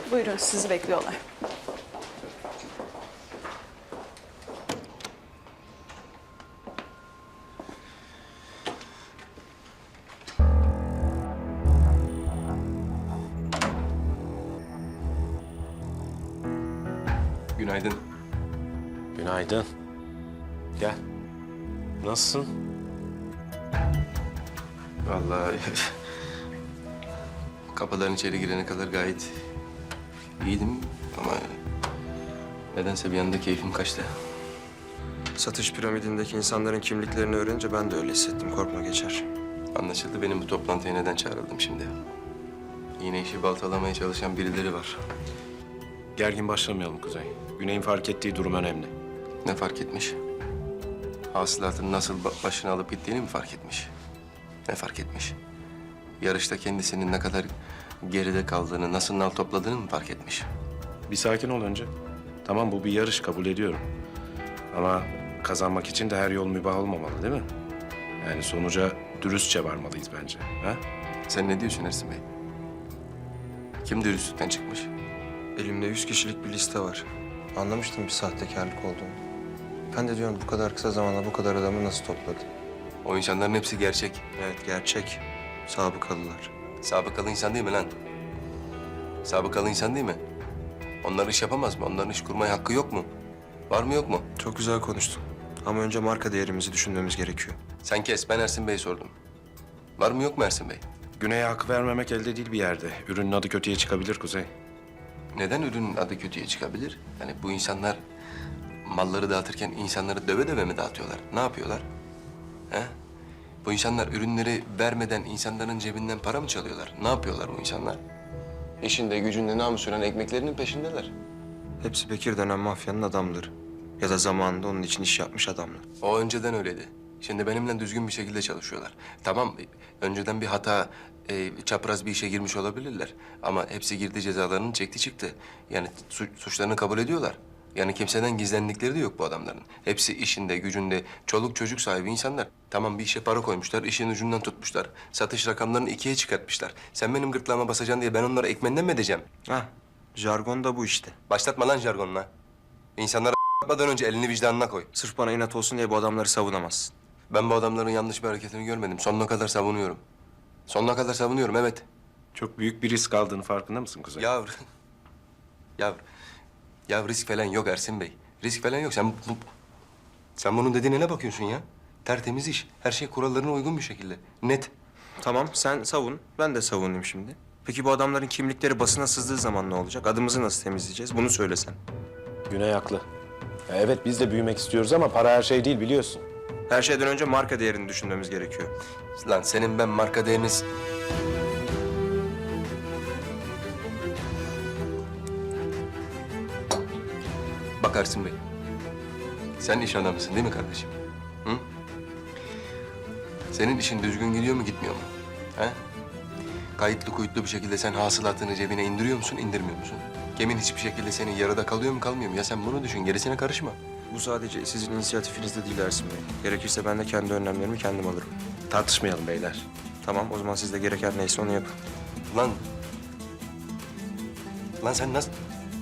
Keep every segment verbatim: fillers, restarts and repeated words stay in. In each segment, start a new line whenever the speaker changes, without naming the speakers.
Buyurun, sizi bekliyorlar.
Günaydın.
Günaydın. Gel. Nasılsın?
Vallahi kapıdan içeri girene kadar gayet iyiydim ama nedense bir anda keyfim kaçtı.
Satış piramidindeki insanların kimliklerini öğrenince ben de öyle hissettim. Korkma, geçer.
Anlaşıldı benim bu toplantıya neden çağrıldım şimdi. Yine işi baltalamaya çalışan birileri var.
Gergin başlamayalım Kuzey. Güney'in fark ettiği durum önemli.
Ne fark etmiş? Hasılatın nasıl ba- başına alıp gittiğini mi fark etmiş? Ne fark etmiş? Yarışta kendisinin ne kadar geride kaldığını, nasıl nal topladığını mı fark etmiş?
Bir sakin ol önce. Tamam, bu bir yarış, kabul ediyorum. Ama kazanmak için de her yol mübah olmamalı, değil mi? Yani sonuca dürüstçe varmalıyız bence. Ha?
Sen ne diyorsun Ersin Bey? Kim dürüstlükten çıkmış?
Elimde yüz kişilik bir liste var. Anlamıştım bir sahtekarlık olduğunu. Ben de diyorum bu kadar kısa zamanda bu kadar adamı nasıl topladı?
O insanların hepsi gerçek.
Evet, gerçek. Sabıkalılar.
Sabıkalı insan değil mi lan? Sabıkalı insan değil mi? Onlar iş yapamaz mı? Onların iş kurmaya hakkı yok mu? Var mı yok mu?
Çok güzel konuştun. Ama önce marka değerimizi düşünmemiz gerekiyor.
Sen kes, ben Ersin Bey'e sordum. Var mı yok mu Ersin Bey?
Güney'e hak vermemek elde değil bir yerde. Ürünün adı kötüye çıkabilir Kuzey.
Neden ürünün adı kötüye çıkabilir? Yani bu insanlar malları dağıtırken insanları döve döve mi dağıtıyorlar? Ne yapıyorlar? He? Bu insanlar ürünleri vermeden insanların cebinden para mı çalıyorlar? Ne yapıyorlar bu insanlar? İşinde, gücünde namusuren ekmeklerinin peşindeler.
Hepsi Bekir denen mafyanın adamları. Ya da zamanında onun için iş yapmış adamlar.
O önceden öyleydi. Şimdi benimle düzgün bir şekilde çalışıyorlar. Tamam, önceden bir hata, e, çapraz bir işe girmiş olabilirler. Ama hepsi girdi, cezalarını çekti çıktı. Yani su- suçlarını kabul ediyorlar. Yani kimseden gizlendikleri de yok bu adamların. Hepsi işinde, gücünde, çoluk çocuk sahibi insanlar. Tamam, bir işe para koymuşlar, işin ucundan tutmuşlar. Satış rakamlarını ikiye çıkartmışlar. Sen benim gırtlağıma basacaksın diye ben onları ekmenden mi edeceğim?
Hah, jargon da bu işte.
Başlatma lan jargonla. İnsanlara atmadan önce elini vicdanına koy.
Sırf bana inat olsun diye bu adamları savunamazsın.
Ben bu adamların yanlış bir hareketini görmedim. Sonuna kadar savunuyorum. Sonuna kadar savunuyorum, evet.
Çok büyük bir risk aldığını farkında mısın Kuzey?
Ya, ya, ya risk falan yok Ersin Bey. Risk falan yok. Sen bu, sen bunun dediğine ne bakıyorsun ya? Tertemiz iş. Her şey kurallarına uygun bir şekilde. Net.
Tamam, sen savun. Ben de savunayım şimdi. Peki bu adamların kimlikleri basına sızdığı zaman ne olacak? Adımızı nasıl temizleyeceğiz? Bunu söylesen.
Güney haklı. Ya evet, biz de büyümek istiyoruz ama para her şey değil, biliyorsun.
Her şeyden önce marka değerini düşünmemiz gerekiyor.
Lan senin ben marka değeriniz... Bak Ersin Bey. Sen iş adamısın değil mi kardeşim? Hı? Senin işin düzgün gidiyor mu, gitmiyor mu? He? Kayıtlı kuyutlu bir şekilde sen hasılatını cebine indiriyor musun, indirmiyor musun? Gemin hiçbir şekilde senin yarıda kalıyor mu, kalmıyor mu? Ya sen bunu düşün, gerisine karışma.
Bu sadece sizin inisiyatifinizde değil Ersin Bey. Gerekirse ben de kendi önlemlerimi kendim alırım.
Tartışmayalım beyler.
Tamam, o zaman siz de gereken neyse onu yapın.
Lan... Lan sen nasıl...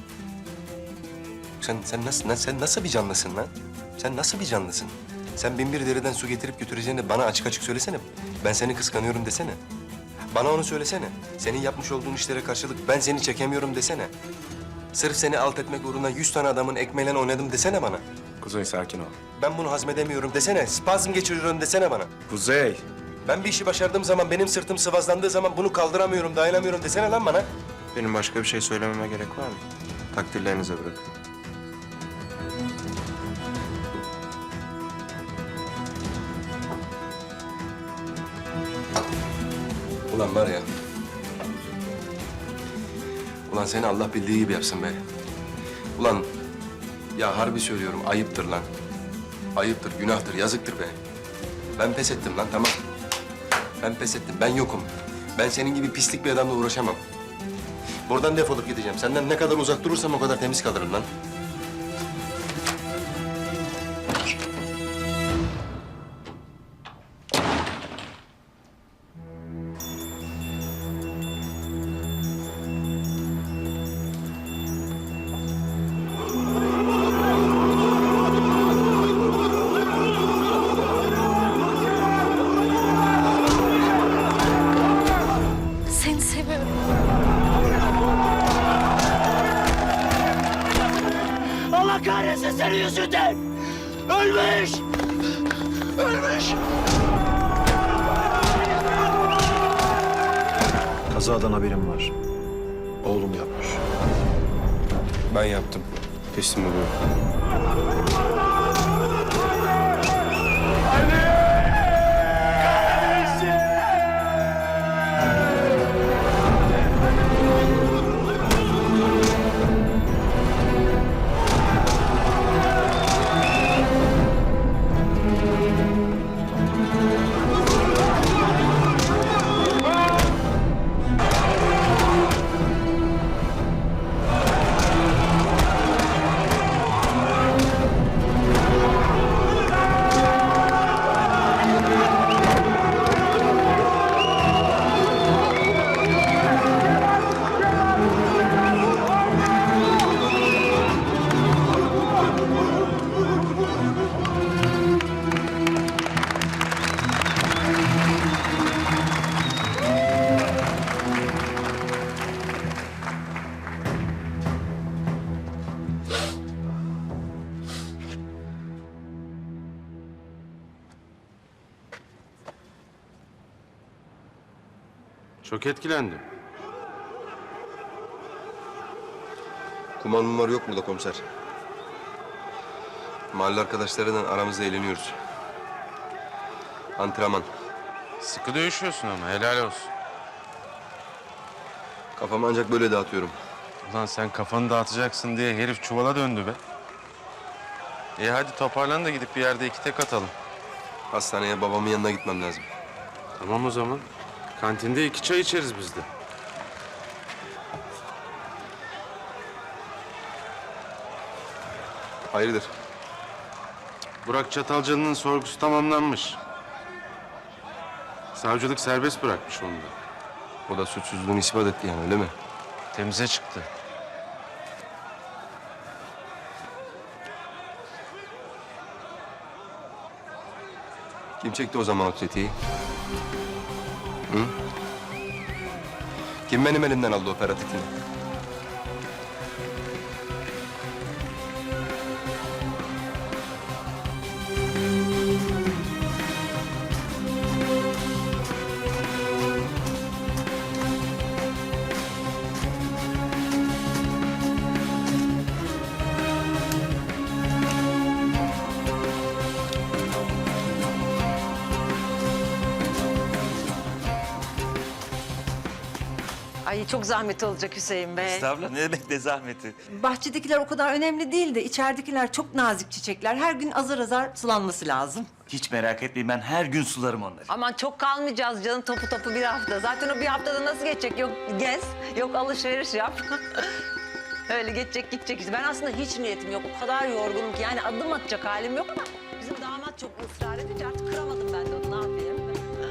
Sen, sen nasıl, lan sen nasıl bir canlısın lan? Sen nasıl bir canlısın? Sen bin bir dereden su getirip götüreceğini bana açık açık söylesene. Ben seni kıskanıyorum desene. Bana onu söylesene. Senin yapmış olduğun işlere karşılık ben seni çekemiyorum desene. Sırf seni alt etmek uğruna yüz tane adamın ekmeğiyle oynadım desene bana.
Kuzey sakin ol.
Ben bunu hazmedemiyorum desene. Spazm geçiriyorum desene bana.
Kuzey.
Ben bir işi başardığım zaman, benim sırtım sıvazlandığı zaman bunu kaldıramıyorum, dayanamıyorum desene lan bana.
Benim başka bir şey söylememe gerek var mı? Takdirlerinize bırakın.
Ulan var ya. Ulan seni Allah bildiği gibi yapsın be. Ulan ya harbi söylüyorum, ayıptır lan. Ayıptır, günahtır, yazıktır be. Ben pes ettim lan, tamam. Ben pes ettim, ben yokum. Ben senin gibi pislik bir adamla uğraşamam. Buradan defolup gideceğim. Senden ne kadar uzak durursam o kadar temiz kalırım lan.
yüzünden. Ölmüş. Ölmüş.
Kazadan haberim var. Oğlum yapmış.
Ben yaptım. Teslim oluyorum. Çok etkilendim.
Kumar mumar yok burada komiser. Mahalle arkadaşlarıyla aramızda eğleniyoruz. Antrenman.
Sıkı dövüşüyorsun ama helal olsun.
Kafamı ancak böyle dağıtıyorum.
Ulan sen kafanı dağıtacaksın diye herif çuvala döndü be. İyi hadi toparlan da gidip bir yerde iki tek atalım.
Hastaneye babamın yanına gitmem lazım.
Tamam o zaman. Kantinde iki çay içeriz biz de.
Hayırdır?
Burak Çatalcalı'nın sorgusu tamamlanmış. Savcılık serbest bırakmış onu da.
O da suçsuzluğunu ispat etti yani, öyle mi?
Temize çıktı.
Kim çekti o zaman o tetiği? Hı? Kim benim elimden aldı operatifini?
Ay çok zahmet olacak Hüseyin Bey.
Estağfurullah, ne demek ne zahmeti.
Bahçedekiler o kadar önemli değil de içeridekiler çok nazik çiçekler. Her gün azar azar sulanması lazım.
Hiç merak etmeyin, ben her gün sularım onları.
Aman çok kalmayacağız canım, topu topu bir hafta. Zaten o bir haftada nasıl geçecek? Yok gez, yok alışveriş yap. Öyle geçecek gidecek işte. Ben aslında hiç niyetim yok. O kadar yorgunum ki yani adım atacak halim yok ama... ...bizim damat çok ısrar edince artık kıramadım ben de onu, ne yapayım?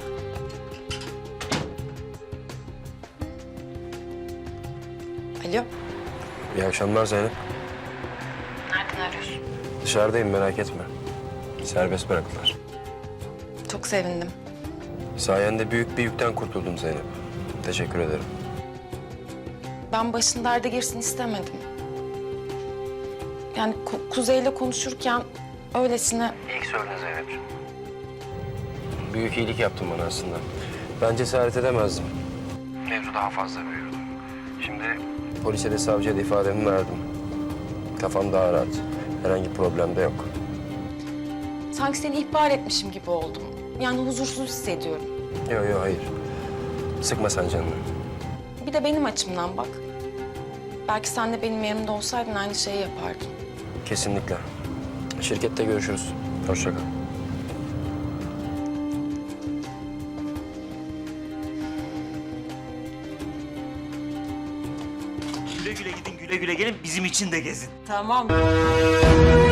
Alo.
İyi akşamlar Zeynep.
Nereden arıyorsun?
Dışarıdayım, merak etme. Serbest bıraktılar.
Çok sevindim.
Sayende büyük bir yükten kurtuldum Zeynep. Teşekkür ederim.
Ben başın derde girsin istemedim. Yani Ku- Kuzey'le konuşurken öylesine...
İyi ki söyledin Zeynep'ciğim. Büyük iyilik yaptın bana aslında. Ben cesaret edemezdim. Mevzu daha fazla büyürdü. Şimdi polise de savcıya da ifademi verdim. Kafam daha rahat. Herhangi bir problem de yok.
Sanki seni ihbar etmişim gibi oldum. Yani huzursuz hissediyorum.
Yok yok hayır. Sıkma sen canını.
Bir de benim açımdan bak. Belki sen de benim yerimde olsaydın aynı şeyi yapardın.
Kesinlikle. Şirkette görüşürüz. Hoşça kal.
Güle güle gidin, güle güle gelin, bizim için de gezin.
Tamam.